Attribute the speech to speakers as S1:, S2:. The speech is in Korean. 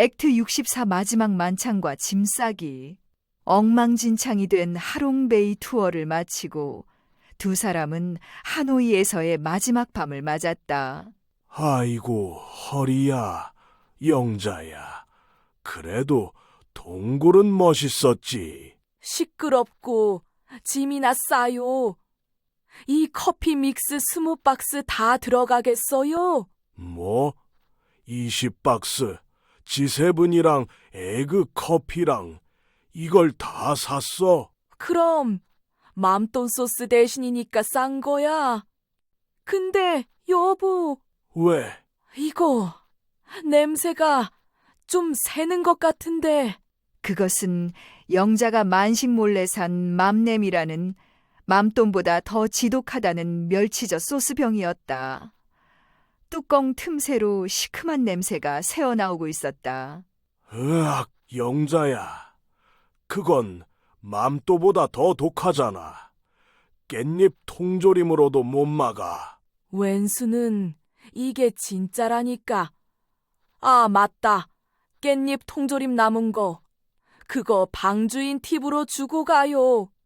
S1: 액트 64 마지막 만찬과 짐 싸기, 엉망진창이 된 하롱베이 투어를 마치고 두 사람은 하노이에서의 마지막 밤을 맞았다.
S2: 아이고, 허리야, 영자야. 그래도 동굴은 멋있었지.
S3: 시끄럽고 짐이나 싸요. 이 커피 믹스 20박스 다 들어가겠어요?
S2: 뭐? 20박스, 지세븐이랑 에그 커피랑 이걸 다 샀어?
S3: 그럼 맘돈 소스 대신이니까 싼 거야. 근데 여보,
S2: 왜?
S3: 이거 냄새가 좀 새는 것 같은데.
S1: 그것은 영자가 만식 몰래 산 맘냄이라는 맘돈보다 더 지독하다는 멸치젓 소스병이었다. 뚜껑 틈새로 시큼한 냄새가 새어나오고 있었다.
S2: 으악, 영자야. 그건 맘또보다 더 독하잖아. 깻잎 통조림으로도 못 막아.
S3: 웬수는 이게 진짜라니까. 아, 맞다. 깻잎 통조림 남은 거. 그거 방주인 팁으로 주고 가요.